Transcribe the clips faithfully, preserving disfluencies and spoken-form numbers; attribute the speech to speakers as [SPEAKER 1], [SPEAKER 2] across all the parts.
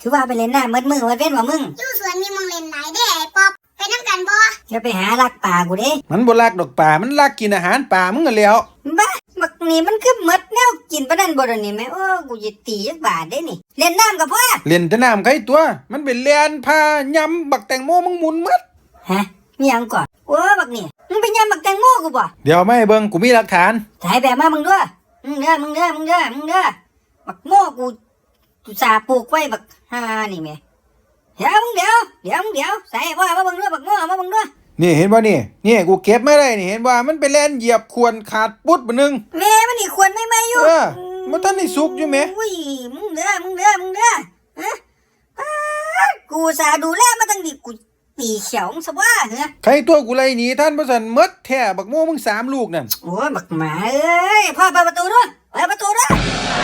[SPEAKER 1] คือว่าไปเล่นน้ำมืดมือมืดเว้นว่ามึง
[SPEAKER 2] อยู่สวนมีมองเล่นหลายเด้ไอ้ป๊อบไปน้ำกันบ่
[SPEAKER 1] จะไปหาลักป่ากูเด้
[SPEAKER 3] มันบ่ลักดอกป่ามันลักกินอาหารป่ามึงก็แล้ว
[SPEAKER 1] บ้าบักนี่มันคือมดแนวกินปะนั่นบ่ดนี่แม่โอ้กูจะตีจักบาทได้นี่เล่นน้ำกับพ่อ
[SPEAKER 3] เล่นแต่น้ำไกตัวมันเป็นแลนพายำบักแตงโมมึงหมุนหมด
[SPEAKER 1] ฮะมีหยังก่อนโอ้บักนี่มึงไปยำบักแตงโมกูบ่
[SPEAKER 3] เดี๋ยวไม่เบิ่งกูมีหลักฐาน
[SPEAKER 1] ถ่ายแบบมามึงด้วยมึงเด้อมึงเด้อมึงเด้อมึงเด้อบักโมกูกูสาปลูกไว้บักฮานี่แม่เดี๋ยวมึงเดี๋ยวเดี๋ยวมึงเดี๋ยวใส่พ่อมาบังด้วยบักโมมาบังด้วย
[SPEAKER 3] นี่เห็นบ่นี่นี่กูเก็บมาได้นี่เห็นว่ามันไปแล่นเหยียบควรขาดปุ๊ดบ่นึง
[SPEAKER 1] แม่มันนี่ควรไม่ไม่อยู่
[SPEAKER 3] เออมันทันได้สุกอยู่แม่
[SPEAKER 1] อุ้ยมึงเด้อมึงเด้อมึงเด้อฮะกูสาดูแลมาตั้งดิกูตีเขียวมึงซะว่าเหรอ
[SPEAKER 3] ใครตัวกูไล่หนีท่านบ่ซั่นหมดแท้บักโมมึงสามลูกนั่น
[SPEAKER 1] โอ้ยบักหมาเอ้ยพ่อเปิดประตูด้วยเปิดประตูด้วย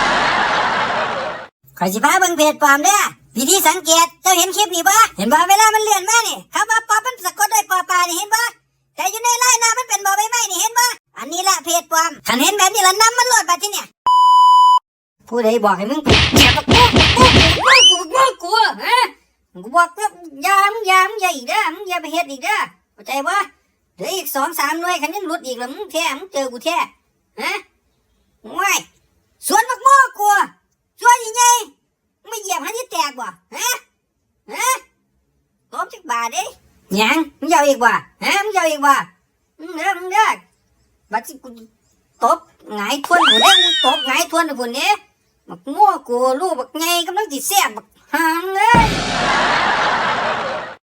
[SPEAKER 1] ขอยสิพาเบิ่งเพจปลอมเด้อวิธีสังเกตเจ้าเห็นคลิปนี้บ่เห็นบ่เวลามันเลื่อนมานี่คำว่าปอมันสะกดด้วยปอปลานี่เห็นบ่แต่อยู่ในไลน์หน้ามันเป็นบ่ใบไม้นี่เห็นบ่อันนี้แหละเพจปลอมคันเห็นแบบนี้ละนำมันโหลดบัดทีเนี่ยผู้ใดบอกให้มึงกูอย่าตะโกนกูกูกูกูฮะกูบอกว่าอย่ามึงอย่ามึงอย่าอีกเด้อมึงอย่าไปเฮ็ดอีกเด้อเข้าใจบ่เดี๋ยวอีก สองสาม หน่วยคันยังหลุดอีกแล้วมึงแท้มึงเจอกูแท้ฮะว้ายสวนบักโมกูสวนใหญ่ไม่เหยียบให้ที่แตกบ่ฮะฮะตบจักบาทเด้ยังมึงยาวอีกบ่ฮะมึงยาวอีกบ่มึงเด้อมึงเด้อบัดสิกูตบหงายทวนกูเด้มึงตบหงายทวนพุ่นเด้บักโม่กูลูกบักใหญ่กำลังสิแซ่บบักหามเลย